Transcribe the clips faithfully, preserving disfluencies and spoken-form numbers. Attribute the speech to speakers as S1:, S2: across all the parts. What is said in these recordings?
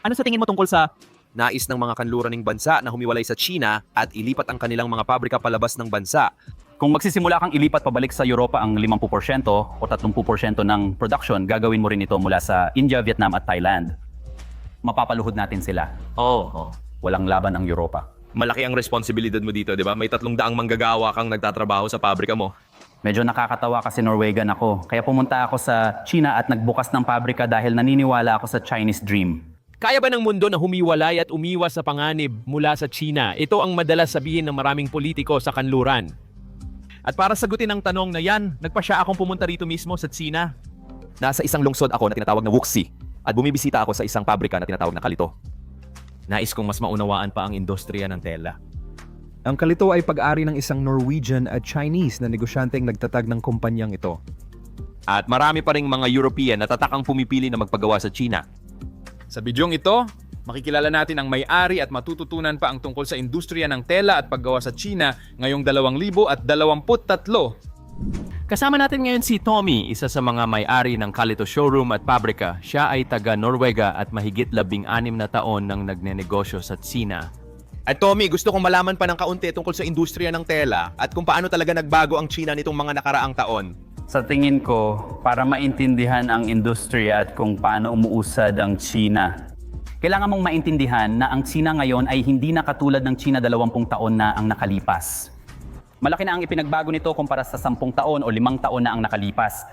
S1: Ano sa tingin mo tungkol sa
S2: Nais ng mga kanluraning bansa na humiwalay sa China at ilipat ang kanilang mga pabrika palabas ng bansa.
S3: Kung magsisimula kang ilipat pabalik sa Europa ang limampu porsyento o tatlumpu porsyento ng production, gagawin mo rin ito mula sa India, Vietnam at Thailand. Mapapaluhod natin sila.
S1: Oo, oh,
S3: Walang laban ang Europa.
S2: Malaki ang responsibilidad mo dito, di ba? May tatlong daang manggagawa kang nagtatrabaho sa pabrika mo.
S3: Medyo nakakatawa kasi Norwegian ako. Kaya pumunta ako sa China at nagbukas ng pabrika dahil naniniwala ako sa Chinese dream.
S4: Kaya ba ng mundo na humiwalay at umiwas sa panganib mula sa China? Ito ang madalas sabihin ng maraming politiko sa kanluran.
S1: At para sagutin ang tanong na yan, nagpasya akong pumunta rito mismo sa China.
S2: Nasa isang lungsod ako na tinatawag na Wuxi at bumibisita ako sa isang pabrika na tinatawag na Kalito.
S1: Nais kong mas maunawaan pa ang industriya ng tela.
S5: Ang Kalito ay pag-ari ng isang Norwegian at Chinese na negosyanteng nagtatag ng kumpanyang ito.
S2: At marami pa ring mga European na tatakang pumipili na magpagawa sa China.
S6: Sa bidyong ito, makikilala natin ang may-ari at matututunan pa ang tungkol sa industriya ng tela at paggawa sa China ngayong dalawang libo at dalawamput tatlo.
S4: Kasama natin ngayon si Tommy, isa sa mga may-ari ng Kalito Showroom at Pabrika. Siya ay taga Norwega at mahigit labing anim na taon nang nagnenegosyo sa China.
S2: At Tommy, gusto kong malaman pa ng kaunti tungkol sa industriya ng tela at kung paano talaga nagbago ang China nitong mga nakaraang taon.
S3: Sa tingin ko, para maintindihan ang industriya at kung paano umuusad ang China, kailangan mong maintindihan na ang China ngayon ay hindi na katulad ng China dalawampung taon na ang nakalipas. Malaki na ang ipinagbago nito kumpara sa sampung taon o limang taon na ang nakalipas.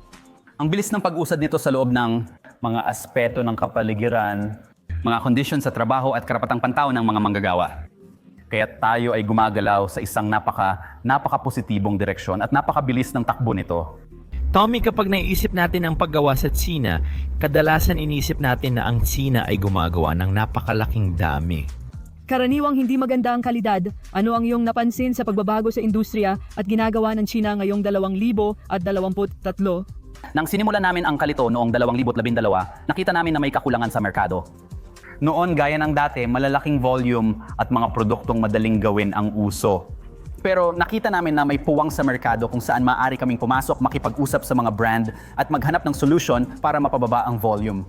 S3: Ang bilis ng pag-usad nito sa loob ng mga aspeto ng kapaligiran, mga kondisyon sa trabaho at karapatang pantao ng mga manggagawa. Kaya tayo ay gumagalaw sa isang napaka, napaka-positibong direksyon at napakabilis ng takbo nito.
S4: Tommy, kapag naiisip natin ang paggawa sa China, kadalasan iniisip natin na ang China ay gumagawa ng napakalaking dami.
S7: Karaniwang hindi maganda ang kalidad. Ano ang iyong napansin sa pagbabago sa industriya at ginagawa ng China ngayong dalawang libo at dalawamput tatlo?
S3: Nang sinimulan namin ang Kalito noong dalawang libo at labindalawa, nakita namin na may kakulangan sa merkado. Noon, gaya ng dati, malalaking volume at mga produktong madaling gawin ang uso. Pero nakita namin na may puwang sa merkado kung saan maaari kaming pumasok, makipag-usap sa mga brand at maghanap ng solusyon para mapababa ang volume.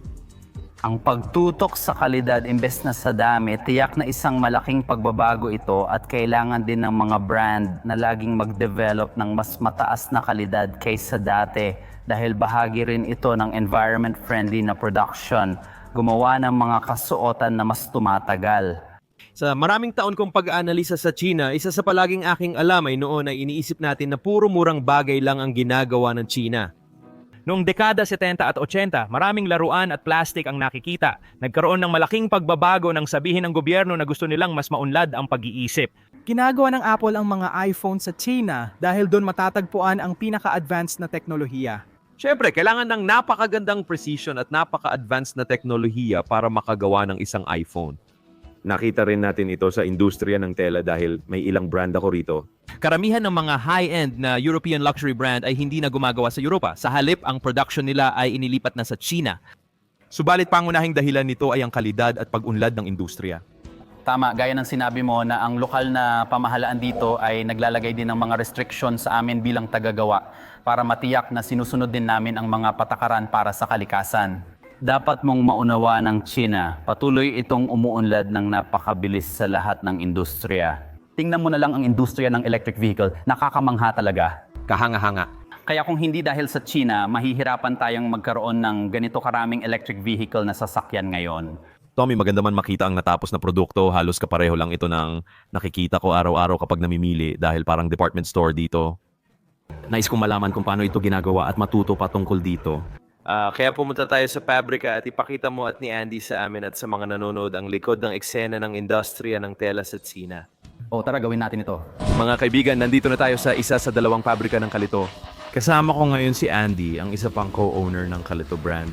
S3: Ang pagtutok sa kalidad imbes na sa dami, tiyak na isang malaking pagbabago ito at kailangan din ng mga brand na laging mag-develop ng mas mataas na kalidad kaysa dati dahil bahagi rin ito ng environment-friendly na production. Gumawa ng mga kasuotan na mas tumatagal.
S4: Sa maraming taon kong pag-aanalisa sa China, isa sa palaging aking alam ay noon ay iniisip natin na puro murang bagay lang ang ginagawa ng China. Noong dekada setenta at ochenta, maraming laruan at plastic ang nakikita. Nagkaroon ng malaking pagbabago nang sabihin ng gobyerno na gusto nilang mas maunlad ang pag-iisip.
S8: Ginagawa ng Apple ang mga iPhone sa China dahil doon matatagpuan ang pinaka-advanced na teknolohiya.
S2: Siyempre, kailangan ng napakagandang precision at napaka-advanced na teknolohiya para makagawa ng isang iPhone. Nakita rin natin ito sa industriya ng tela dahil may ilang brand ako rito.
S1: Karamihan ng mga high-end na European luxury brand ay hindi na gumagawa sa Europa. Sa halip, ang production nila ay inilipat na sa China.
S2: Subalit pangunahing dahilan nito ay ang kalidad at pag-unlad ng industriya.
S3: Tama, gaya ng sinabi mo na ang lokal na pamahalaan dito ay naglalagay din ng mga restriction sa amin bilang tagagawa para matiyak na sinusunod din namin ang mga patakaran para sa kalikasan. Dapat mong maunawa ng China, patuloy itong umuunlad ng napakabilis sa lahat ng industriya. Tingnan mo na lang ang industriya ng electric vehicle, nakakamangha talaga.
S2: Kahanga-hanga.
S3: Kaya kung hindi dahil sa China, mahihirapan tayong magkaroon ng ganito karaming electric vehicle na sasakyan ngayon.
S2: Tommy, maganda man makita ang natapos na produkto. Halos kapareho lang ito ng nakikita ko araw-araw kapag namimili dahil parang department store dito.
S1: Nais kong malaman kung paano ito ginagawa at matuto pa tungkol dito.
S2: Uh, kaya pumunta tayo sa pabrika at ipakita mo at ni Andy sa amin at sa mga nanonood ang likod ng eksena ng industriya ng tela sa China.
S3: O tara, gawin natin ito.
S2: Mga kaibigan, nandito na tayo sa isa sa dalawang pabrika ng Kalito. Kasama ko ngayon si Andy, ang isa pang co-owner ng Kalito brand.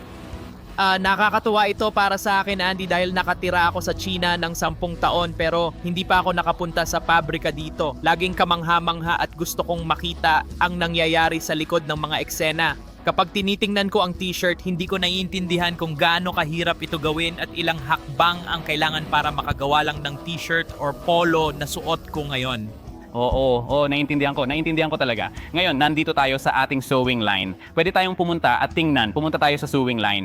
S9: Ah, nakakatuwa ito para sa akin, Andy, dahil nakatira ako sa China ng sampung taon pero hindi pa ako nakapunta sa pabrika dito. Laging kamangha-mangha at gusto kong makita ang nangyayari sa likod ng mga eksena. Kapag tinitingnan ko ang t-shirt, hindi ko naiintindihan kung gaano kahirap ito gawin at ilang hakbang ang kailangan para makagawa lang ng t-shirt or polo na suot ko ngayon.
S3: Oo, oo, naiintindihan ko, naiintindihan ko talaga. Ngayon, nandito tayo sa ating sewing line. Pwede tayong pumunta at tingnan, pumunta tayo sa sewing line.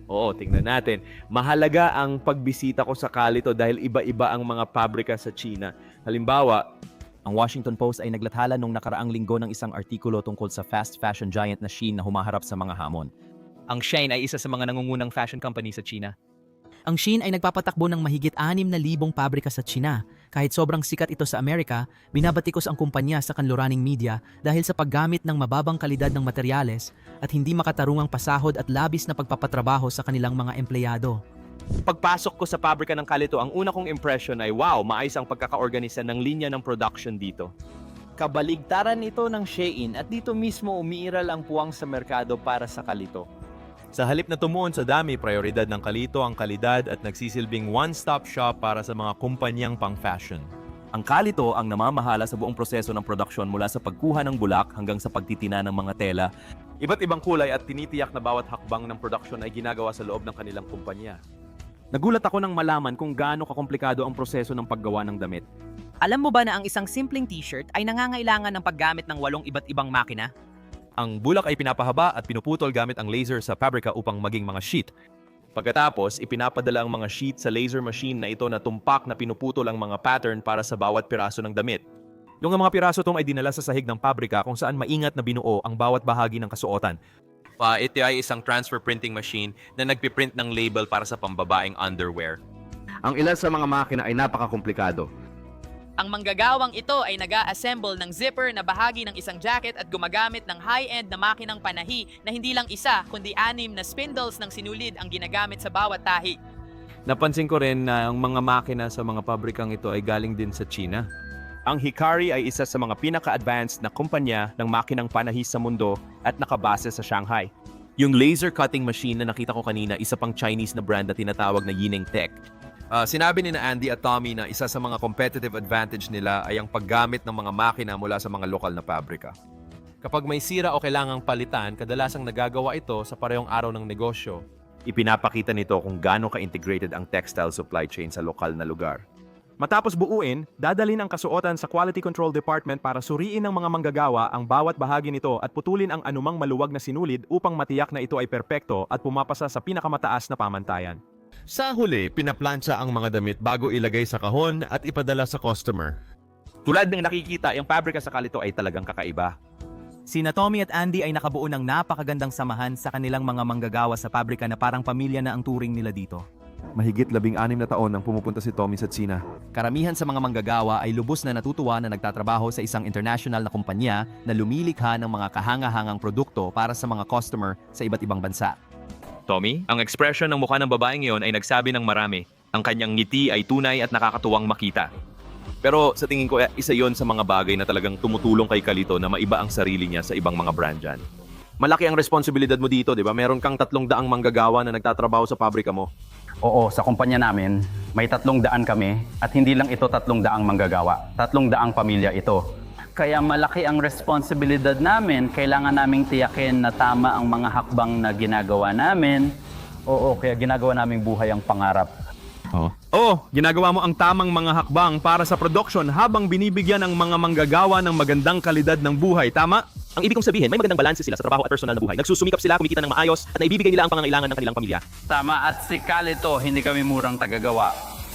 S2: Oo, tingnan natin. Mahalaga ang pagbisita ko sa Calito dahil iba-iba ang mga pabrika sa China. Halimbawa,
S1: Ang Washington Post ay naglathala nung nakaraang linggo ng isang artikulo tungkol sa fast fashion giant na Shein na humaharap sa mga hamon.
S4: Ang Shein ay isa sa mga nangungunang fashion company sa China.
S10: Ang Shein ay nagpapatakbo ng mahigit anim na libong pabrika sa China. Kahit sobrang sikat ito sa Amerika, binabatikos ang kumpanya sa kanluraning media dahil sa paggamit ng mababang kalidad ng materyales at hindi makatarungang pasahod at labis na pagpapatrabaho sa kanilang mga empleyado.
S2: pagpasok ko sa pabrika ng Calito, ang una kong impression ay wow, maayos ang pagkakaorganisa ng linya ng production dito.
S11: Kabaligtaran ito ng Shein at dito mismo umiiral ang puwang sa merkado para sa Calito.
S2: Sa halip na tumuon sa dami, prioridad ng Calito ang kalidad at nagsisilbing one-stop shop para sa mga kumpanyang pang-fashion.
S1: Ang Calito ang namamahala sa buong proseso ng produksyon mula sa pagkuha ng bulak hanggang sa pagtitina ng mga tela.
S2: Iba't ibang kulay at tinitiyak na bawat hakbang ng production ay ginagawa sa loob ng kanilang kumpanya.
S1: Nagulat ako nang malaman kung gaano kakomplikado ang proseso ng paggawa ng damit.
S12: Alam mo ba na ang isang simpleng t-shirt ay nangangailangan ng paggamit ng walong iba't ibang makina?
S2: Ang bulak ay pinapahaba at pinuputol gamit ang laser sa pabrika upang maging mga sheet. Pagkatapos, ipinapadala ang mga sheet sa laser machine na ito na tumpak na pinuputol ang mga pattern para sa bawat piraso ng damit. Yung mga piraso itong ay dinala sa sahig ng pabrika kung saan maingat na binuo ang bawat bahagi ng kasuotan. Pa, ito ay isang transfer printing machine na nagpiprint ng label para sa pambabaeng underwear. Ang ilan sa mga makina ay napakakomplikado.
S12: Ang manggagawang ito ay nag-a-assemble ng zipper na bahagi ng isang jacket at gumagamit ng high-end na makinang panahi na hindi lang isa kundi anim na spindles ng sinulid ang ginagamit sa bawat tahi.
S2: Napansin ko rin na ang mga makina sa mga pabrikang ito ay galing din sa China. Ang Hikari ay isa sa mga pinaka-advanced na kumpanya ng makinang panahi sa mundo at nakabase sa Shanghai. Yung laser cutting machine na nakita ko kanina, isa pang Chinese na brand na tinatawag na Yineng Tech. Uh, sinabi ni na Andy at Tommy na isa sa mga competitive advantage nila ay ang paggamit ng mga makina mula sa mga lokal na pabrika. Kapag may sira o kailangang palitan, kadalasang nagagawa ito sa parehong araw ng negosyo. Ipinapakita nito kung gaano ka-integrated ang textile supply chain sa lokal na lugar. Matapos buuin, dadalhin ang kasuotan sa Quality Control Department para suriin ng mga manggagawa ang bawat bahagi nito at putulin ang anumang maluwag na sinulid upang matiyak na ito ay perpekto at pumapasa sa pinakamataas na pamantayan.
S13: Sa huli, pinaplansya ang mga damit bago ilagay sa kahon at ipadala sa customer.
S1: Tulad ng nakikita, yung pabrika sa Calito ay talagang kakaiba.
S10: Sina Tommy at Andy ay nakabuo ng napakagandang samahan sa kanilang mga manggagawa sa pabrika na parang pamilya na ang turing nila dito.
S2: Mahigit labing anim na taon nang pumupunta si Tommy sa China.
S1: Karamihan sa mga manggagawa ay lubos na natutuwa na nagtatrabaho sa isang international na kumpanya na lumilikha ng mga kahanga-hangang produkto para sa mga customer sa iba't ibang bansa.
S2: Tommy, ang ekspresyon ng mukha ng babaeng iyon ay nagsabi ng marami. Ang kanyang ngiti ay tunay at nakakatuwang makita. Pero sa tingin ko, isa yon sa mga bagay na talagang tumutulong kay Calito na maiba ang sarili niya sa ibang mga brand dyan. Malaki ang responsibilidad mo dito, di ba? Meron kang tatlong daang manggagawa na nagtatrabaho sa pabrika mo.
S3: Oo, sa kumpanya namin, may tatlong daan kami at hindi lang ito tatlong daang manggagawa. Tatlong daang pamilya ito.
S11: Kaya malaki ang responsibilidad namin. Kailangan naming tiyakin na tama ang mga hakbang na ginagawa namin.
S3: Oo, kaya ginagawa naming buhay ang pangarap.
S2: Oh. oh, ginagawa mo ang tamang mga hakbang para sa production habang binibigyan ng mga manggagawa ng magandang kalidad ng buhay, tama?
S1: Ang ibig kong sabihin, may magandang balanse sila sa trabaho at personal na buhay. Nagsusumikap sila, kumikita ng maayos at naibibigay nila ang pangangailangan ng kanilang pamilya.
S11: Tama, at si Calito, hindi kami murang tagagawa.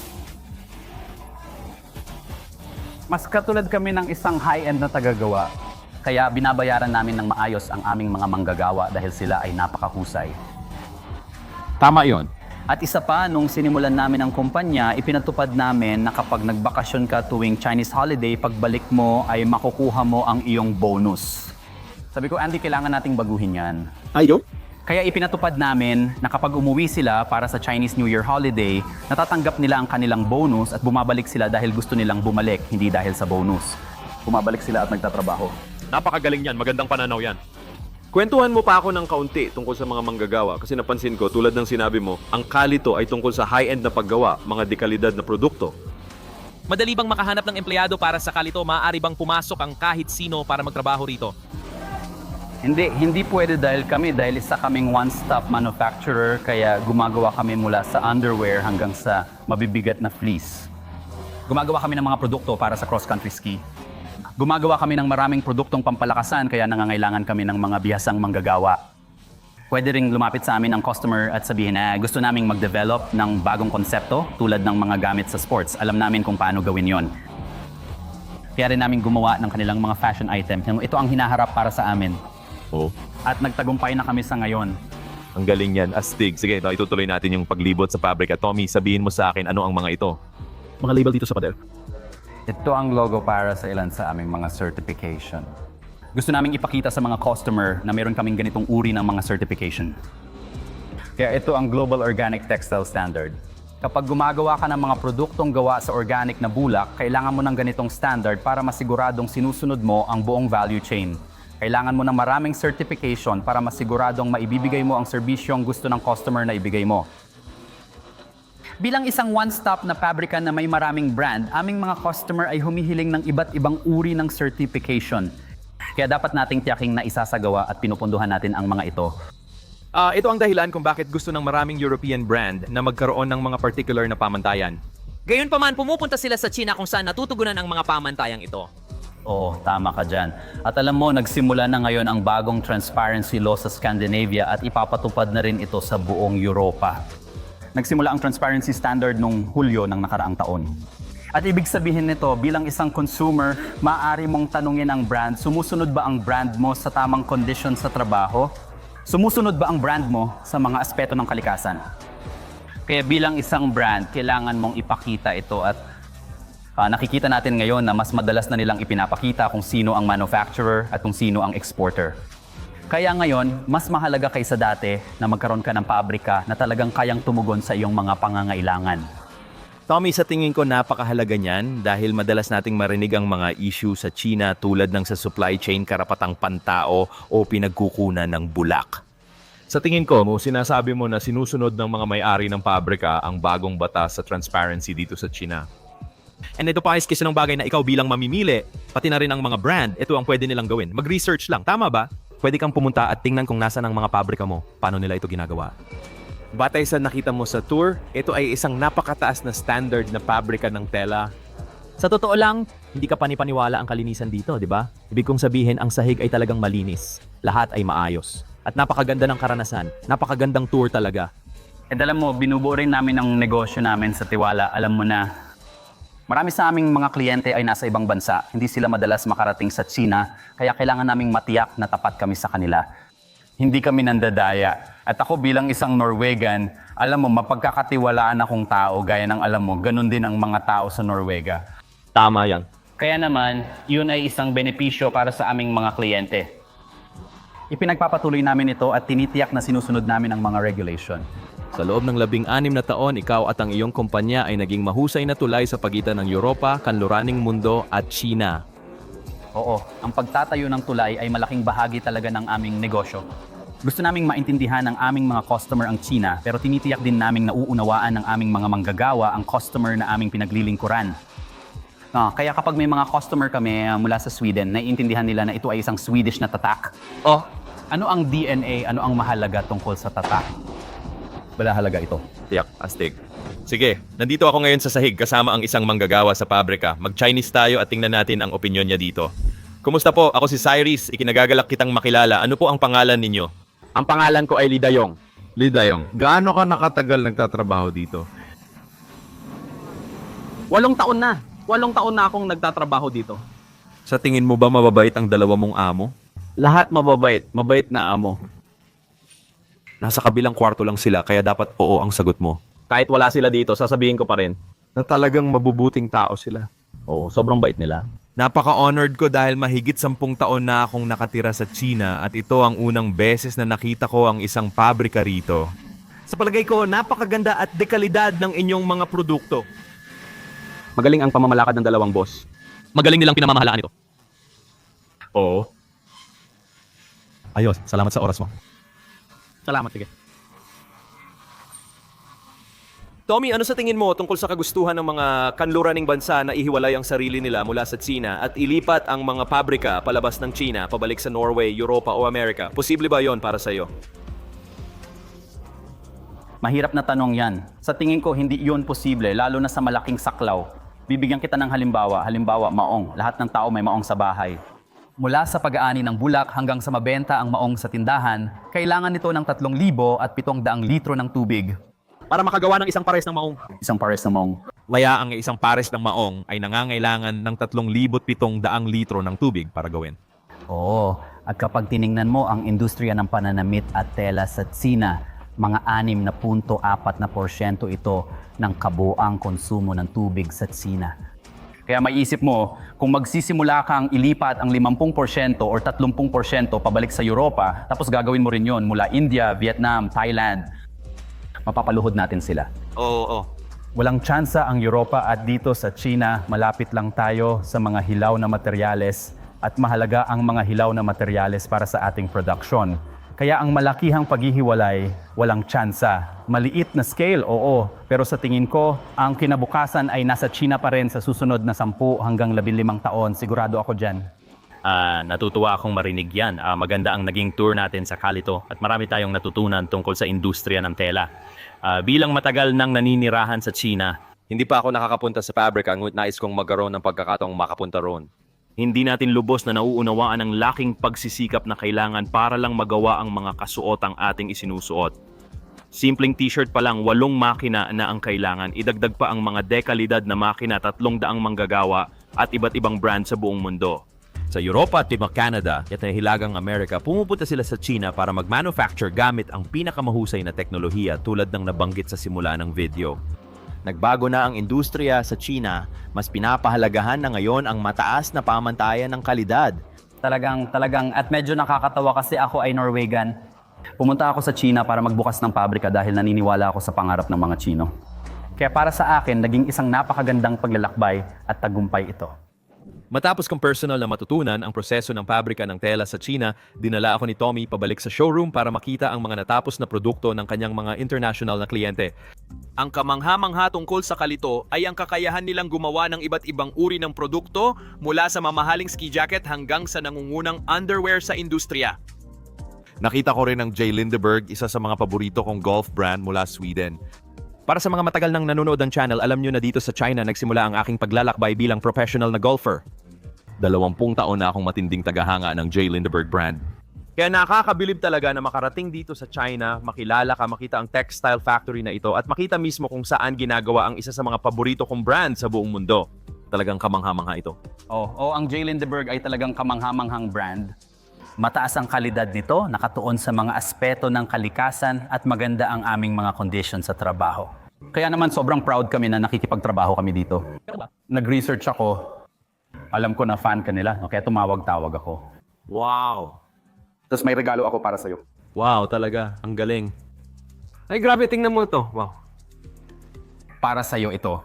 S3: Mas katulad kami ng isang high-end na tagagawa. Kaya binabayaran namin ng maayos ang aming mga manggagawa dahil sila ay napakahusay.
S6: Tama yon.
S3: At isa pa, nung sinimulan namin ang kumpanya, ipinatupad namin na kapag nagbakasyon ka tuwing Chinese holiday, pagbalik mo ay makukuha mo ang iyong bonus. Sabi ko, Andy, kailangan nating baguhin yan.
S1: Ayo?
S3: Kaya ipinatupad namin na kapag umuwi sila para sa Chinese New Year holiday, natatanggap nila ang kanilang bonus at bumabalik sila dahil gusto nilang bumalik, hindi dahil sa bonus. Bumabalik sila at nagtatrabaho.
S2: Napakagaling yan, magandang pananaw yan. Kwentuhan mo pa ako ng kaunti tungkol sa mga manggagawa kasi napansin ko, tulad ng sinabi mo, ang Calito ay tungkol sa high-end na paggawa, mga dekalidad na produkto.
S9: Madali bang makahanap ng empleyado para sa Calito? Maaari bang pumasok ang kahit sino para magtrabaho rito?
S3: Hindi, hindi pwede dahil kami, dahil isa kaming one-stop manufacturer, kaya gumagawa kami mula sa underwear hanggang sa mabibigat na fleece. Gumagawa kami ng mga produkto para sa cross-country ski. Gumagawa kami ng maraming produktong pampalakasan, kaya nangangailangan kami ng mga bihasang manggagawa. Pwede ring lumapit sa amin ang customer at sabihin na gusto naming mag-develop ng bagong konsepto tulad ng mga gamit sa sports. Alam namin kung paano gawin yon. Kaya rin namin gumawa ng kanilang mga fashion item. Ito ang hinaharap para sa amin.
S2: Oh,
S3: At nagtagumpay na kami sa ngayon.
S2: ang galing yan. Astig. Sige, ito, itutuloy natin yung paglibot sa pabrika. Tommy, sabihin mo sa akin ano ang mga ito.
S4: Mga label dito sa pader.
S3: Ito ang logo para sa ilan sa aming mga certification. Gusto naming ipakita sa mga customer na meron kaming ganitong uri ng mga certification. Kaya ito ang Global Organic Textile Standard. Kapag gumagawa ka ng mga produktong gawa sa organic na bulak, kailangan mo ng ganitong standard para masiguradong sinusunod mo ang buong value chain. Kailangan mo ng maraming certification para masiguradong maibibigay mo ang serbisyong gusto ng customer na ibigay mo. Bilang isang one-stop na pabrika na may maraming brand, aming mga customer ay humihiling ng iba't ibang uri ng certification. Kaya dapat nating tiyaking na isasagawa at pinupunduhan natin ang mga ito.
S4: Ah, ito ang dahilan kung bakit gusto ng maraming European brand na magkaroon ng mga particular na pamantayan.
S10: Gayunpaman, pumupunta sila sa China kung saan natutugunan ang mga pamantayang ito.
S3: Oo, tama ka dyan. At alam mo, nagsimula na ngayon ang bagong transparency law sa Scandinavia at ipapatupad na rin ito sa buong Europa. Nagsimula ang transparency standard nung Hulyo ng nakaraang taon. At ibig sabihin nito, bilang isang consumer, maaari mong tanungin ang brand, sumusunod ba ang brand mo sa tamang condition sa trabaho? Sumusunod ba ang brand mo sa mga aspeto ng kalikasan? Kaya bilang isang brand, kailangan mong ipakita ito at uh, nakikita natin ngayon na mas madalas na nilang ipinapakita kung sino ang manufacturer at kung sino ang exporter. Kaya ngayon, mas mahalaga kaysa dati na magkaroon ka ng pabrika na talagang kayang tumugon sa iyong mga pangangailangan.
S2: Tommy, sa tingin ko napakahalaga niyan dahil madalas nating marinig ang mga issue sa China tulad ng sa supply chain karapatang pantao o pinagkukunan ng bulak. Sa tingin ko, mo sinasabi mo na sinusunod ng mga may-ari ng pabrika ang bagong batas sa transparency dito sa China.
S4: And ito pa is kasi ng bagay na ikaw bilang mamimili, pati na rin ang mga brand, ito ang pwede nilang gawin. Mag-research lang, tama ba? Pwede kang pumunta at tingnan kung nasa ng mga pabrika mo, paano nila ito ginagawa.
S2: Batay sa nakita mo sa tour, ito ay isang napakataas na standard na pabrika ng tela.
S4: Sa totoo lang, hindi ka panipaniwala ang kalinisan dito, di ba? Ibig kong sabihin, ang sahig ay talagang malinis. Lahat ay maayos. At napakaganda ng karanasan. Napakagandang tour talaga.
S3: And alam mo, binubuo rin namin ang negosyo namin sa tiwala. Alam mo na, marami sa aming mga kliyente ay nasa ibang bansa. Hindi sila madalas makarating sa China, kaya kailangan naming matiyak na tapat kami sa kanila. Hindi kami nandadaya. At ako bilang isang Norwegan, alam mo, mapagkakatiwalaan akong tao, gaya ng alam mo, ganun din ang mga tao sa Norwega.
S4: Tama yan.
S3: Kaya naman, yun ay isang benepisyo para sa aming mga kliyente. Ipinagpapatuloy namin ito at tinitiyak na sinusunod namin ang mga regulation.
S2: Sa loob ng labing anim na taon, ikaw at ang iyong kumpanya ay naging mahusay na tulay sa pagitan ng Europa, kanluraning mundo at China.
S3: Oo, ang pagtatayo ng tulay ay malaking bahagi talaga ng aming negosyo. Gusto naming maintindihan ng aming mga customer ang China, pero tinitiyak din naming nauunawaan ng aming mga manggagawa ang customer na aming pinaglilingkuran. Ah, kaya kapag may mga customer kami uh, mula sa Sweden, naiintindihan nila na ito ay isang Swedish na tatak. Oh, ano ang D N A, ano ang mahalaga tungkol sa tatak? Balahalaga ito.
S2: Tiyak, astig. Sige, nandito ako ngayon sa sahig kasama ang isang manggagawa sa pabrika. Mag-Chinese tayo at tingnan natin ang opinyon niya dito. Kumusta po? Ako si Cyrus. Ikinagagalak kitang makilala. Ano po ang pangalan ninyo?
S14: Ang pangalan ko ay Lidayong.
S13: Lidayong, gaano ka nakatagal nagtatrabaho dito?
S14: Walong taon na. Walong taon na akong nagtatrabaho dito.
S2: Sa tingin mo ba mababait ang dalawa mong amo?
S14: Lahat mababait. Mabait na amo.
S2: Nasa kabilang kwarto lang sila kaya dapat oo ang sagot mo.
S14: Kahit wala sila dito, sasabihin ko pa rin.
S13: Na talagang mabubuting tao sila.
S14: Oo, sobrang bait nila.
S2: Napaka-honored ko dahil mahigit sampung taon na akong nakatira sa China at ito ang unang beses na nakita ko ang isang pabrika rito.
S4: Sa palagay ko, napakaganda at dekalidad ng inyong mga produkto.
S14: Magaling ang pamamalakad ng dalawang boss.
S4: Magaling nilang pinamamahalaan ito.
S2: Oo.
S4: Ayos, salamat sa oras mo.
S14: Salamat, sige.
S4: Tommy, ano sa tingin mo tungkol sa kagustuhan ng mga kanluraning bansa na ihiwalay ang sarili nila mula sa China at ilipat ang mga pabrika palabas ng China, pabalik sa Norway, Europa o Amerika? Posible ba yon para sa iyo?
S3: Mahirap na tanong yan. Sa tingin ko, hindi yun posible, lalo na sa malaking saklaw. Bibigyan kita ng halimbawa. Halimbawa, maong. Lahat ng tao may maong sa bahay. Mula sa pag-aani ng bulak hanggang sa mabenta ang maong sa tindahan, kailangan nito ng tatlong libo at pitong daang litro ng tubig.
S2: Para makagawa ng isang pares ng maong.
S3: Isang pares ng maong.
S2: Laya ang isang pares ng maong ay nangangailangan ng tatlong libot pitong daang litro ng tubig para gawin.
S3: Oo, at kapag tiningnan mo ang industriya ng pananamit at tela sa Tsina, mga anim na punto apat na porsyento ito ng kabuang konsumo ng tubig sa Tsina. Kaya maiisip mo, kung magsisimula kang ilipat ang limampu porsyento or tatlumpu porsyento pabalik sa Europa, tapos gagawin mo rin yon mula India, Vietnam, Thailand, mapapaluhod natin sila.
S2: Oo, oo.
S3: Walang tsansa ang Europa at dito sa China, malapit lang tayo sa mga hilaw na materyales at mahalaga ang mga hilaw na materyales para sa ating production. Kaya ang malakihang paghihiwalay, walang tsansa. Maliit na scale, oo. Pero sa tingin ko, ang kinabukasan ay nasa China pa rin sa susunod na sampu hanggang labing limang taon. Sigurado ako dyan.
S15: Ah, natutuwa akong marinig yan. Ah, maganda ang naging tour natin sa Kalito at marami tayong natutunan tungkol sa industriya ng tela. Ah, bilang matagal nang naninirahan sa China,
S2: Hindi pa ako nakakapunta sa pabrika ngunit nais kong magkaroon ng pagkakataong makapunta roon.
S15: hindi natin lubos na nauunawaan ang laking pagsisikap na kailangan para lang magawa ang mga kasuotang ating isinusuot. Simpleng t-shirt pa lang, walong makina na ang kailangan. Idagdag pa ang mga dekalidad na makina, tatlong daang manggagawa at iba't ibang brand sa buong mundo.
S2: Sa Europa at Timog Canada at Hilagang Amerika, pumupunta sila sa China para mag-manufacture gamit ang pinakamahusay na teknolohiya tulad ng nabanggit sa simula ng video.
S1: Nagbago na ang industriya sa China, mas pinapahalagahan na ngayon ang mataas na pamantayan ng kalidad.
S3: Talagang, talagang, at medyo nakakatawa kasi ako ay Norwegian. Pumunta ako sa China para magbukas ng pabrika dahil naniniwala ako sa pangarap ng mga Chino. Kaya para sa akin, naging isang napakagandang paglalakbay at tagumpay ito.
S2: Matapos kong personal na matutunan ang proseso ng pabrika ng tela sa China, dinala ako ni Tommy pabalik sa showroom para makita ang mga natapos na produkto ng kanyang mga international na kliyente.
S9: Ang kamangha-mangha tungkol sa Kalito ay ang kakayahan nilang gumawa ng iba't ibang uri ng produkto mula sa mamahaling ski jacket hanggang sa nangungunang underwear sa industriya.
S13: Nakita ko rin ang J. Lindeberg, isa sa mga paborito kong golf brand mula Sweden.
S2: Para sa mga matagal nang nanonood ng channel, alam nyo na dito sa China nagsimula ang aking paglalakbay bilang professional na golfer. Dalawampung taon na akong matinding tagahanga ng J. Lindeberg brand.
S4: Kaya nakakabilib talaga na makarating dito sa China, makilala ka, makita ang textile factory na ito at makita mismo kung saan ginagawa ang isa sa mga paborito kong brand sa buong mundo. Talagang kamangha-mangha ito.
S3: Oh, oh, ang J. Lindeberg ay talagang kamangha-manghang brand. Mataas ang kalidad nito, nakatuon sa mga aspeto ng kalikasan at maganda ang aming mga conditions sa trabaho. Kaya naman sobrang proud kami na nakikipagtrabaho kami dito. Nag-research ako, alam ko na fan ka nila, no? Kaya tumawag-tawag ako.
S2: Wow!
S3: Tapos may regalo ako para sa'yo.
S2: Wow, talaga. Ang galing. Ay, grabe. Tingnan mo to. Wow.
S3: Para sa'yo ito.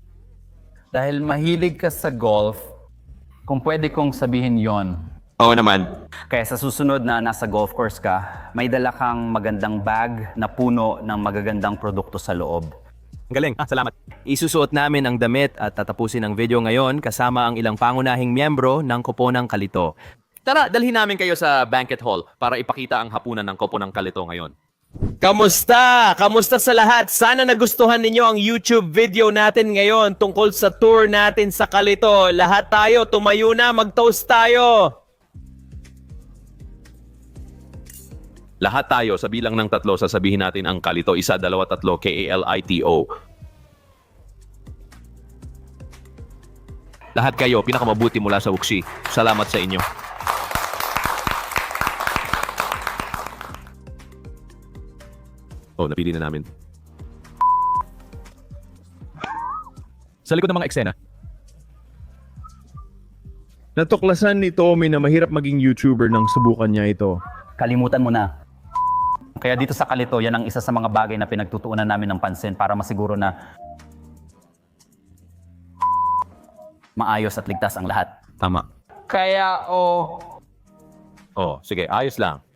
S3: Dahil mahilig ka sa golf, kung pwede kong sabihin yon.
S2: Oo naman.
S3: Kaya sa susunod na nasa golf course ka, may dala kang magandang bag na puno ng magagandang produkto sa loob.
S2: Ang galing. Ah, salamat. Isusuot namin ang damit at tatapusin ang video ngayon kasama ang ilang pangunahing miyembro ng Koponang Kalito. Tara, dalhin namin kayo sa banquet hall para ipakita ang hapunan ng Koponang Kalito ngayon.
S4: Kamusta? Kamusta sa lahat? Sana nagustuhan ninyo ang YouTube video natin ngayon tungkol sa tour natin sa Kalito. Lahat tayo, tumayo na, mag-toast tayo!
S2: Lahat tayo sa bilang ng tatlo sasabihin natin ang Kalito. Isa, dalawa, tatlo, K A L I T O. Lahat kayo, pinakamabuti mula sa Wuxi. Salamat sa inyo. Oh, napili na namin.
S5: Sa likod ng mga eksena. Natuklasan ni Tommy na mahirap maging YouTuber nang subukan niya ito.
S3: Kalimutan mo na. Kaya dito sa Kalito, yan ang isa sa mga bagay na pinagtutuunan namin ng pansin para masiguro na maayos at ligtas ang lahat.
S2: Tama.
S3: Kaya, oh...
S2: Oh, sige, ayos lang.